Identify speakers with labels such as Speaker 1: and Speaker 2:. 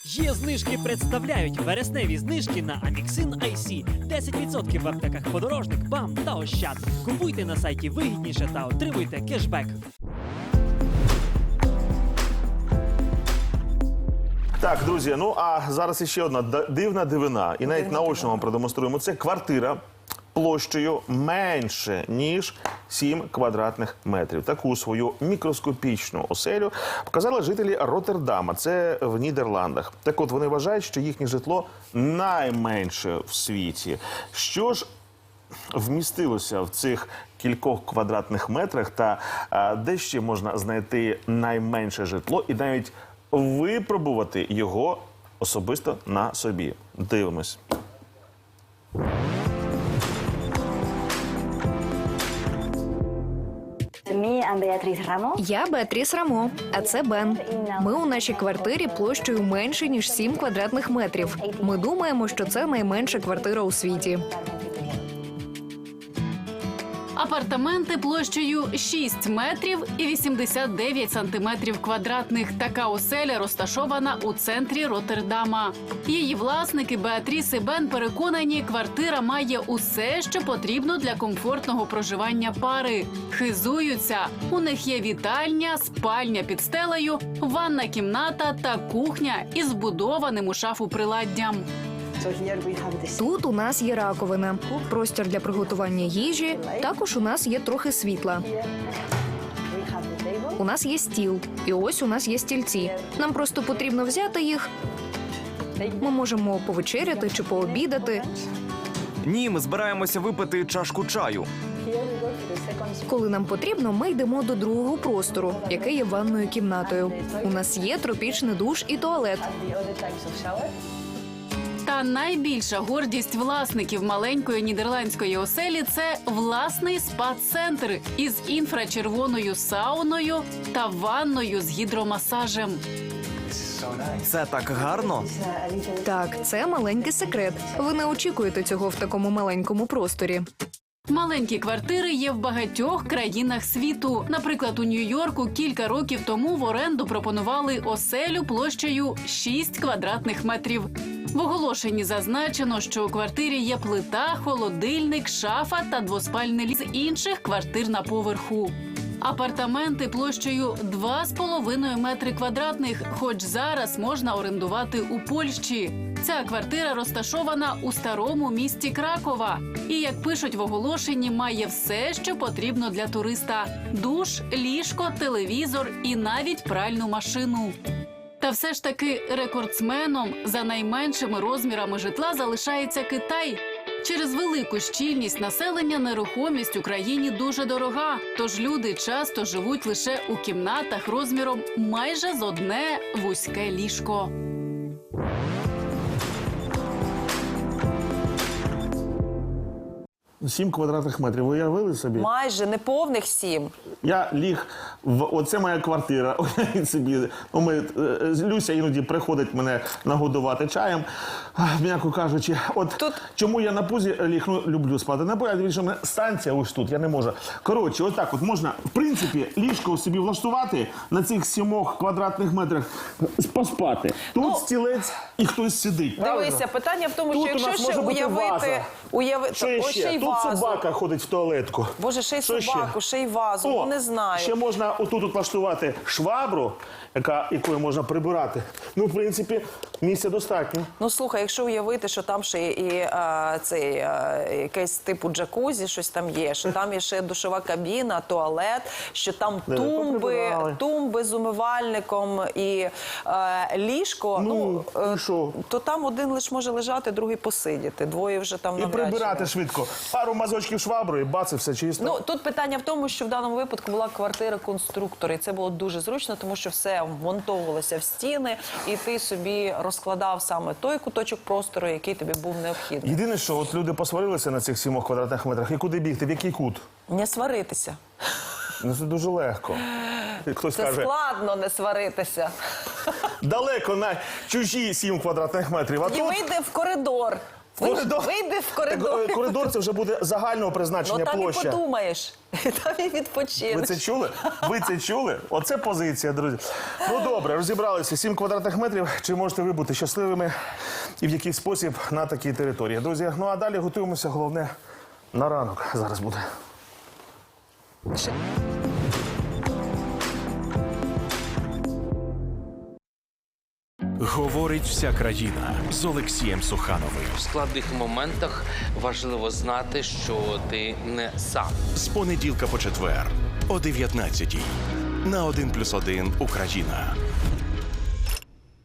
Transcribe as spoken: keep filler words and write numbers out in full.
Speaker 1: Є знижки представляють вересневі знижки на Аміксин ай сі. десять відсотків в аптеках Подорожник, БАМ та Ощад. Купуйте на сайті вигідніше та отримуйте кешбек.
Speaker 2: Так, друзі, ну а зараз іще одна дивна дивина. І навіть наочно вам продемонструємо. Це квартира площею менше, ніж сім квадратних метрів. Таку свою мікроскопічну оселю показали жителі Роттердама. Це в Нідерландах. Так от, вони вважають, що їхнє житло найменше в світі. Що ж вмістилося в цих кількох квадратних метрах та а, де ще можна знайти найменше житло і навіть випробувати його особисто на собі. Дивимось.
Speaker 3: Я Беатріс Рамо, а це Бен. Ми у нашій квартирі площею менше, ніж сім квадратних метрів. Ми думаємо, що це найменша квартира у світі.
Speaker 4: Апартаменти площею шість метрів і вісімдесят дев'ять сантиметрів квадратних. Така оселя розташована у центрі Роттердама. Її власники Беатріс і Бен переконані, квартира має усе, що потрібно для комфортного проживання пари. Хизуються. У них є вітальня, спальня під стелею, ванна кімната та кухня із вбудованим у шафу приладдям.
Speaker 3: Тут у нас є раковина, простір для приготування їжі, також у нас є трохи світла. У нас є стіл, і ось у нас є стільці. Нам просто потрібно взяти їх. Ми можемо повечеряти чи пообідати.
Speaker 5: Ні, ми збираємося випити чашку чаю.
Speaker 3: Коли нам потрібно, ми йдемо до другого простору, який є ванною кімнатою. У нас є тропічний душ і туалет.
Speaker 4: Та найбільша гордість власників маленької нідерландської оселі – це власний спа-центр із інфрачервоною сауною та ванною з гідромасажем.
Speaker 5: Це так гарно.
Speaker 3: Так, це маленький секрет. Ви не очікуєте цього в такому маленькому просторі.
Speaker 4: Маленькі квартири є в багатьох країнах світу. Наприклад, у Нью-Йорку кілька років тому в оренду пропонували оселю площею шість квадратних метрів. В оголошенні зазначено, що у квартирі є плита, холодильник, шафа та двоспальний з інших квартир на поверху. Апартаменти площею два з половиною метри квадратних, хоч зараз можна орендувати у Польщі. Ця квартира розташована у старому місті Кракова. І, як пишуть в оголошенні, має все, що потрібно для туриста – душ, ліжко, телевізор і навіть пральну машину. Та все ж таки рекордсменом за найменшими розмірами житла залишається Китай. Через велику щільність населення нерухомість в Україні дуже дорога, тож люди часто живуть лише у кімнатах розміром майже з одне вузьке ліжко.
Speaker 2: Сім квадратних метрів. Ви уявили собі?
Speaker 6: Майже неповних сім.
Speaker 2: Я ліг в... Оце моя квартира. Уявіть собі. Ну, ми... Люся іноді приходить мене нагодувати чаєм. М'яко кажучи, от
Speaker 6: Тут...
Speaker 2: чому я на пузі ліг, ну, люблю спати. На пузі, більше мене станція ось тут, я не можу. Коротше, ось так от можна, в принципі, ліжко собі влаштувати на цих сімох квадратних метрах, поспати. Тут
Speaker 6: ну...
Speaker 2: стілець і хтось сидить.
Speaker 6: Дивися,
Speaker 2: правильно?
Speaker 6: питання в тому,
Speaker 2: тут
Speaker 6: що якщо ще
Speaker 2: може
Speaker 6: уявити... уяви...
Speaker 2: Що є
Speaker 6: О,
Speaker 2: ще?
Speaker 6: ще й
Speaker 2: Тут
Speaker 6: вазу.
Speaker 2: собака ходить в туалетку.
Speaker 6: Боже, ще й
Speaker 2: Що
Speaker 6: собаку, ще й вазу,
Speaker 2: О,
Speaker 6: ну, не знаю.
Speaker 2: Ще можна отут от влаштувати швабру, яка, якою можна прибирати. Ну, в принципі, місця достатньо.
Speaker 6: Ну, слухай, якщо уявити, що там ще і а, цей, а, якесь типу джакузі, щось там є, що там є ще душова кабіна, туалет, що там
Speaker 2: Де,
Speaker 6: тумби,
Speaker 2: поприбирали.
Speaker 6: тумби з умивальником і а, ліжко,
Speaker 2: Ну,
Speaker 6: ну,
Speaker 2: і що?
Speaker 6: то там один лише може лежати, другий посидіти, двоє вже там
Speaker 2: І
Speaker 6: навряд чи.
Speaker 2: прибирати швидко. Пару мазочків шваброю, бац, і все чисто.
Speaker 6: Ну, тут питання в тому, що в даному випадку була квартира конструктора, і це було дуже зручно, тому що все вмонтовувалося в стіни, і ти собі розкладав саме той куточок простору, який тобі був необхідний.
Speaker 2: Єдине, що от люди посварилися на цих сімох квадратних метрах, і куди бігти, в який кут?
Speaker 6: Не сваритися.
Speaker 2: Ну, це дуже легко. Хтось
Speaker 6: Це
Speaker 2: каже,
Speaker 6: складно не сваритися.
Speaker 2: далеко на чужі сім квадратних метрів, а
Speaker 6: І
Speaker 2: тут
Speaker 6: вийде в коридор.
Speaker 2: Коридор.
Speaker 6: Вийди в
Speaker 2: Так,
Speaker 6: коридор.
Speaker 2: е, коридор це вже буде загального призначення
Speaker 6: Ну там і
Speaker 2: площа.
Speaker 6: подумаєш, там і
Speaker 2: Ви
Speaker 6: відпочинеш.
Speaker 2: це чули? Ви це чули? Оце позиція, друзі. Ну добре, розібралися. сім квадратних метрів. Чи можете ви бути щасливими і в який спосіб на такій території? Друзі, ну а далі готуємося, головне, на ранок зараз буде.
Speaker 7: Говорить вся країна з Олексієм Сухановим.
Speaker 8: В складних моментах важливо знати, що ти не сам.
Speaker 7: З понеділка по четвер о дев'ятнадцятій на один плюс один Україна.